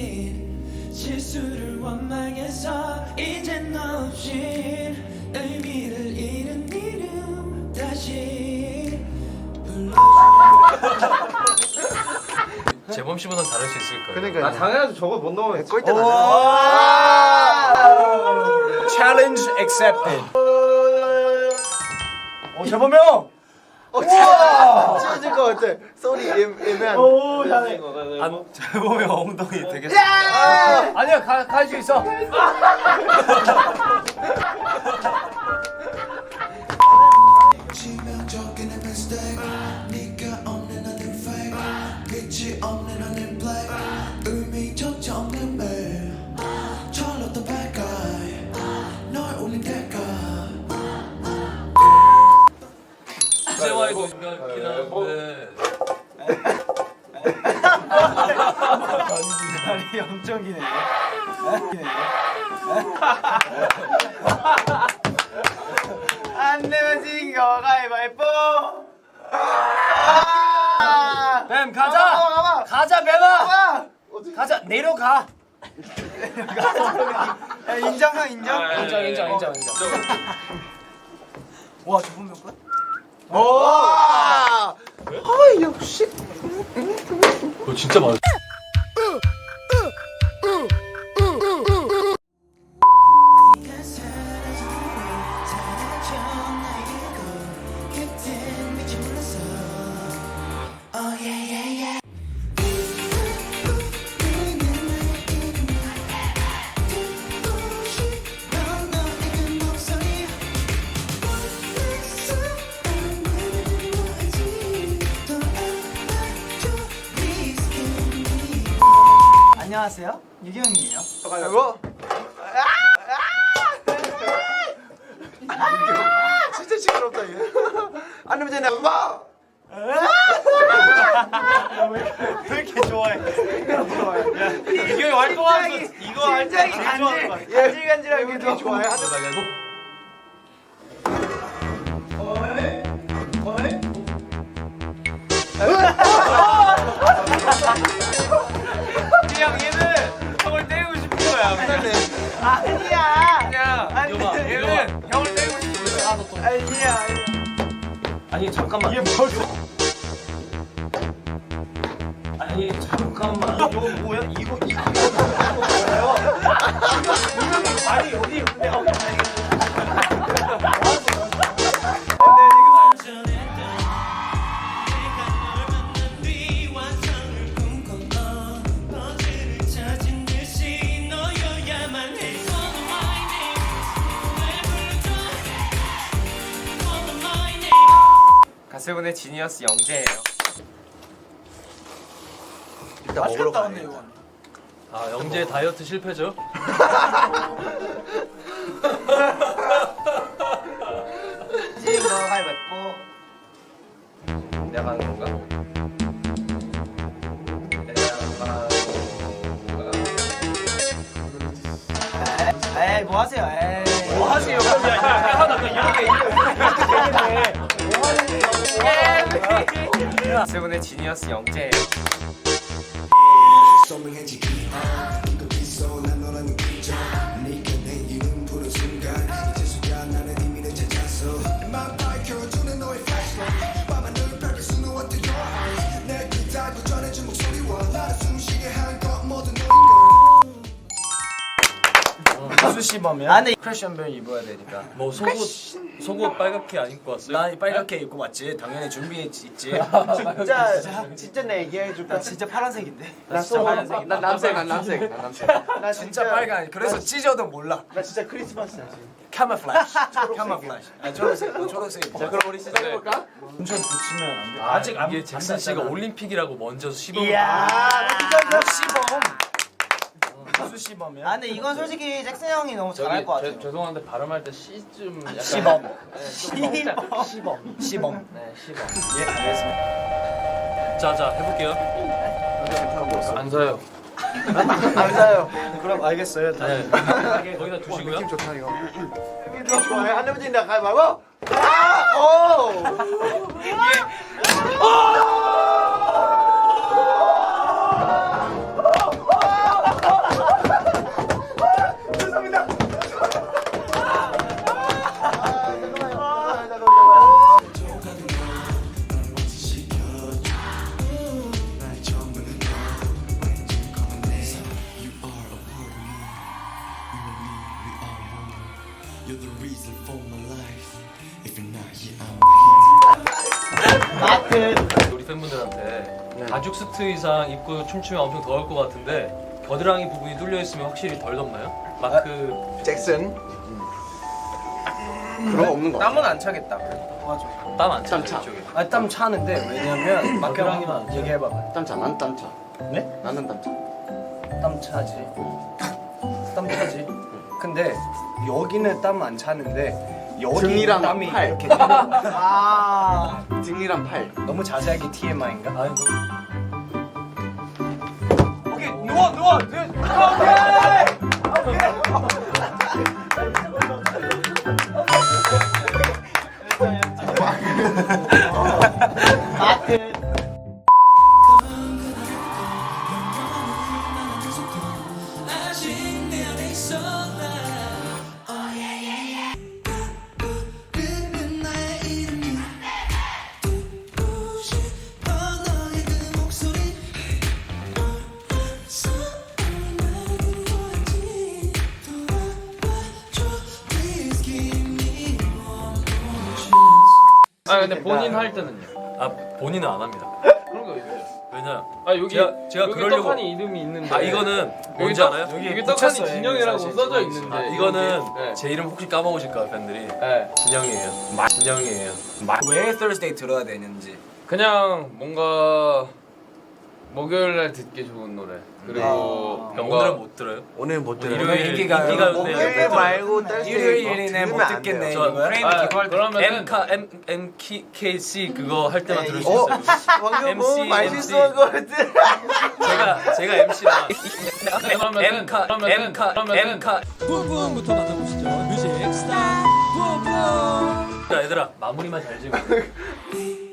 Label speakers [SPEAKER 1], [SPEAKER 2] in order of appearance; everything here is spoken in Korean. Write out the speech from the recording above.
[SPEAKER 1] 실수를 원망해서 이젠 없이 의미를 잃은 이름 다시
[SPEAKER 2] 재범 씨보단 잘할 수 있을 거예요.
[SPEAKER 3] 그러니까
[SPEAKER 4] 당연하죠. 저거 못 넣으면
[SPEAKER 3] 꼴대
[SPEAKER 4] Challenge accepted. 재범 형.
[SPEAKER 3] 찢어질 것 같아. 소리 애매한.
[SPEAKER 4] 오 잘해.
[SPEAKER 2] 재범이 엉덩이 되게.
[SPEAKER 4] 아니야 갈 수 있어.
[SPEAKER 1] 치명적인 내 mistake 네가 없는 하늘 fake 빛이 없는 하늘 black 의미조차 없는 매일 철렀던 bad guy 널 울린 대가
[SPEAKER 2] 이제와이도 생각긴 한데.
[SPEAKER 4] 다리 엄청 기네. 안 내면 진거 가위바위보. 뱀 가자. 가자 뱀아. 가자 내려가. 인정. 인정. 와 저분 몇 번?
[SPEAKER 3] 역시.
[SPEAKER 2] 그거 진짜 많아.
[SPEAKER 1] 네가 사라진 후에 사라져 나의 꿈 그땐 미처 몰랐어 Oh yeah yeah yeah 듣고 싶던 너의 그 목소리 원했어 난 뭐지 더 알아줘 Please give me
[SPEAKER 4] 안녕하세요 유경이에요.
[SPEAKER 3] 이거? 진짜 시끄럽다 이거. 안 되면 되네. 와.
[SPEAKER 4] 왜 이렇게 좋아해?
[SPEAKER 2] 이게 활동하면서 이거 할 때
[SPEAKER 4] 심장이 간질간질하게
[SPEAKER 3] 되게 좋아해. 안 되면
[SPEAKER 2] 나가고.
[SPEAKER 4] 그냥 얘는 형을 때리고 싶은 거야. 아니야. 그냥
[SPEAKER 2] 이거
[SPEAKER 4] 얘는 형을 때리고 싶은 거야. 아니야.
[SPEAKER 2] 아니 잠깐만.
[SPEAKER 4] 이게 뭘?
[SPEAKER 2] 아니 잠깐만.
[SPEAKER 4] 이거 뭐야? 이거 뭐예요? 분명히 말이 어디 있는데 가세븐의 지니어스 영재예요.
[SPEAKER 3] 일단 먹으러 가야 돼.
[SPEAKER 2] 아 영재 다이어트 실패죠?
[SPEAKER 4] 지금 너 가위바위보. 내가 하는 건가? 에이 뭐 하세요? 에이 뭐 하세요? 세븐의 지니어스 영재예요.
[SPEAKER 1] 선명해지기 이거 있어 난 너라는 그저 네가 내 이름 부른 순간 이제서야 나는 의미를 찾았어 막 밝혀주는 너의 flashlight 밤하늘 밝힐 수는 어때 your eyes 내 귀 닫고 전해준 목소리와 나를 숨쉬게 한 것 모두 너인 걸
[SPEAKER 4] 무수 씹으면 안에 크래션벨 입어야 되니까.
[SPEAKER 2] 뭐 속옷 빨갛게 안 입고 왔어요?
[SPEAKER 4] 나 빨갛게 입고 왔지. 당연히 준비했지.
[SPEAKER 3] 진짜 내 얘기해 줄까?
[SPEAKER 4] 나 진짜 파란색인데.
[SPEAKER 3] 나
[SPEAKER 4] 진짜 파란색.
[SPEAKER 3] 난 남색.
[SPEAKER 4] 나 진짜 빨간. 그래서 찢어도 몰라.
[SPEAKER 3] 나 진짜 크리스마스야 지금.
[SPEAKER 4] 카모플라시. 카모플라시. 아 초록색.
[SPEAKER 3] 자 그럼 우리 시작해 볼까?
[SPEAKER 4] 엄청 붙이면 안 돼.
[SPEAKER 2] 아직 이게 잭슨 씨가 올림픽이라고 먼저 시범을.
[SPEAKER 4] 이야. 시범. 무수 시범이야? 아 근데 이건 솔직히 잭슨 형이 너무 잘할 것 같아요.
[SPEAKER 2] 죄송한데 발음할 때 시좀 약간
[SPEAKER 4] 시범.
[SPEAKER 2] 시범.
[SPEAKER 4] 시범.
[SPEAKER 2] 네 시범.
[SPEAKER 4] 예 알겠습니다.
[SPEAKER 2] 자자 해볼게요. 안 사요.
[SPEAKER 3] 안 사요.
[SPEAKER 4] 그럼 알겠어요.
[SPEAKER 2] 네. 거기다 두시고요.
[SPEAKER 3] 느낌 좋다 이거. 느낌 좋아해. 안 되면 진다. 가위바위보. 아! 오!
[SPEAKER 1] You're the reason for my life. If you're not here, I'm
[SPEAKER 4] 마트.
[SPEAKER 2] 우리 팬분들한테 가죽 수트 이상 입고 춤추면 엄청 더울 것 같은데 겨드랑이 부분이 뚫려 있으면 확실히 덜 덥나요? 마크
[SPEAKER 3] 잭슨. 그런 거 없는 거.
[SPEAKER 5] 땀은 안 차겠다.
[SPEAKER 4] 맞아.
[SPEAKER 2] 땀 안 차요
[SPEAKER 6] 차.
[SPEAKER 2] 이쪽에.
[SPEAKER 5] 아, 땀 차는데 왜냐면
[SPEAKER 2] 겨드랑이만 안
[SPEAKER 5] 막혀랑이만
[SPEAKER 2] 차요.
[SPEAKER 5] 얘기해봐봐.
[SPEAKER 6] 땀차. 난 땀차.
[SPEAKER 5] 네?
[SPEAKER 6] 나는 땀차.
[SPEAKER 5] 땀 차지. 땀 차지. 근데 여기는 땀 안 차는데 여기
[SPEAKER 6] 등이랑
[SPEAKER 5] 땀이
[SPEAKER 6] 팔.
[SPEAKER 5] 이렇게
[SPEAKER 4] 아.
[SPEAKER 6] 등이랑 팔.
[SPEAKER 5] 너무 자세하게 TMI인가?
[SPEAKER 2] 아니
[SPEAKER 4] 오케이 누워. 마트.
[SPEAKER 1] 부르는 나의 이름이 듣고 싶어 너의 그 목소리 사랑하는 거지 돌아와줘 Please give me one more chance
[SPEAKER 2] 아 근데 본인 할 때는요? 아 본인은 안 합니다. 그런 거 있어요. 왜냐? 아 여기 제가 여기 그러려고- 떡하니 이름이 있는데. 아 이거는 뭔지
[SPEAKER 5] 떡-
[SPEAKER 2] 알아요?
[SPEAKER 5] 여기
[SPEAKER 2] 여기
[SPEAKER 5] 붙였어요,
[SPEAKER 2] 떡하니 진영이라고
[SPEAKER 5] 사실.
[SPEAKER 2] 써져 있는데
[SPEAKER 5] 아,
[SPEAKER 2] 이거는
[SPEAKER 5] 네.
[SPEAKER 2] 제 이름 혹시 까먹으실까요 팬들이?
[SPEAKER 5] 네.
[SPEAKER 2] 진영이에요. 진영이에요.
[SPEAKER 5] 왜 Thursday 들어야 되는지.
[SPEAKER 2] 그냥 뭔가 목요일날 듣기 좋은 노래 그리고
[SPEAKER 5] 오늘은 못 들어요?
[SPEAKER 3] 오늘 못 들어.
[SPEAKER 2] 일요일
[SPEAKER 5] 인기가
[SPEAKER 3] 목요일 말고 뜰
[SPEAKER 5] 일요일이네 못 듣겠네. 이거야?
[SPEAKER 2] 그러면은 MKC 그거 할 때만 들을 수
[SPEAKER 3] 어?
[SPEAKER 2] 있어요.
[SPEAKER 3] 방금
[SPEAKER 2] MC,
[SPEAKER 3] 뭐 말실수한 거 같아.
[SPEAKER 2] 제가 MC라. MK
[SPEAKER 7] 부분부터 만나보시죠. 뮤직 스타트 부분.
[SPEAKER 2] 얘들아 마무리만 잘 지고.